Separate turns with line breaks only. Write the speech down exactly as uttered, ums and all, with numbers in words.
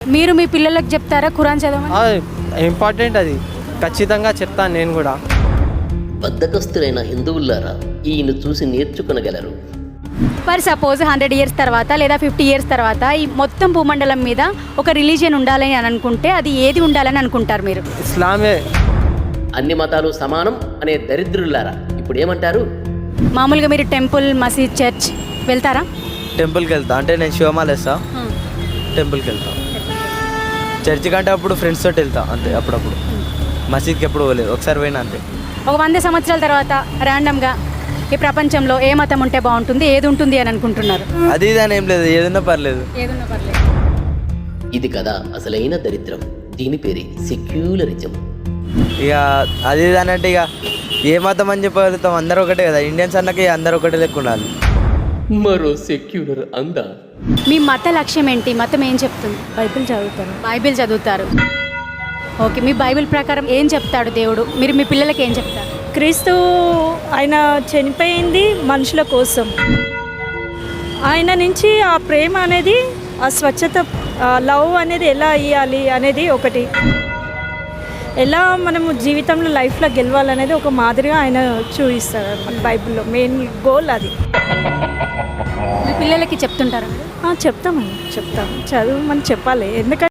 మీరు మీ పిల్లలకు చెప్తారా ఖురాన్ చదవమని?
ఇంపార్టెంట్, అది ఖచ్చితంగా చెప్తాను నేను కూడా.
బద్ధకస్తులైన హిందువులారా ఈయన చూసి నేర్చుకొనగలరు.
ఫర్ సపోజ్ హండ్రెడ్ ఇయర్స్ తర్వాత లేదా ఫిఫ్టీ ఇయర్స్ తర్వాత ఈ మొత్తం భూమండలం మీద ఒక రిలీజియన్ ఉండాలని అని అనుకుంటే అది ఏది ఉండాలని అనుకుంటారు మీరు?
ఇస్లామే.
అన్ని మతాలు సమానం అనే దరిద్రులారా ఇప్పుడు ఏమంటారు?
మామూలుగా మీరు టెంపుల్, మసీద్, చర్చ్ వెళ్తారా?
టెంపుల్కి వెళ్తా, అంటే నేను శివమాల వేస్తా, టెంపుల్కి వెళ్తా. చర్చి కంటే అప్పుడు ఫ్రెండ్స్ తోటి వెళ్తా అంతే, అప్పుడప్పుడు. మసీద్కి ఎప్పుడు పోలేదు, ఒకసారి పోయినా అంతే.
ఒక వంద సంవత్సరాల తర్వాత ర్యాండమ్గా ఈ ప్రపంచంలో ఏ మతం ఉంటే బాగుంటుంది, ఏది ఉంటుంది అని అనుకుంటున్నారు?
అది ఇది అని ఏం లేదు, ఏదన్నా పర్లేదు.
ఏదున్నా పర్లేదు.
ఇది కదా అసలైన దరిద్రం. దీని పేరే సెక్యులరిజం.
ఇక అది ఇది అని అంటే ఇక ఏ మతం అని చెప్పగలుగుతాం, అందరూ ఒకటే కదా. ఇండియన్స్ అన్నకి అందరూ ఒకటే లెక్క ఉండాలి.
మరో సెక్యులర్ అందా.
మీ మత లక్ష్యం ఏంటి? మతం ఏం చెప్తుంది?
బైబిల్ చదువుతాను.
బైబిల్ చదువుతారు. ఓకే, మీ బైబిల్ ప్రకారం ఏం చెప్తాడు దేవుడు? మీరు మీ పిల్లలకి ఏం చెప్తారు?
క్రీస్తు ఆయన చనిపోయింది మనుషుల కోసం. ఆయన నుంచి ఆ ప్రేమ అనేది, ఆ స్వచ్ఛత, లవ్ అనేది ఎలా ఇవ్వాలి అనేది ఒకటి, ఎలా మనము జీవితంలో లైఫ్లో గెలవాలనేది ఒక మాదిరిగా ఆయన చూపిస్తారు అన్నమాట. బైబిల్లో మెయిన్ గోల్ అది.
మీ పిల్లలకి చెప్తుంటారా?
చెప్తామండి, చెప్తాం, చదువు మనం చెప్పాలి. ఎందుకంటే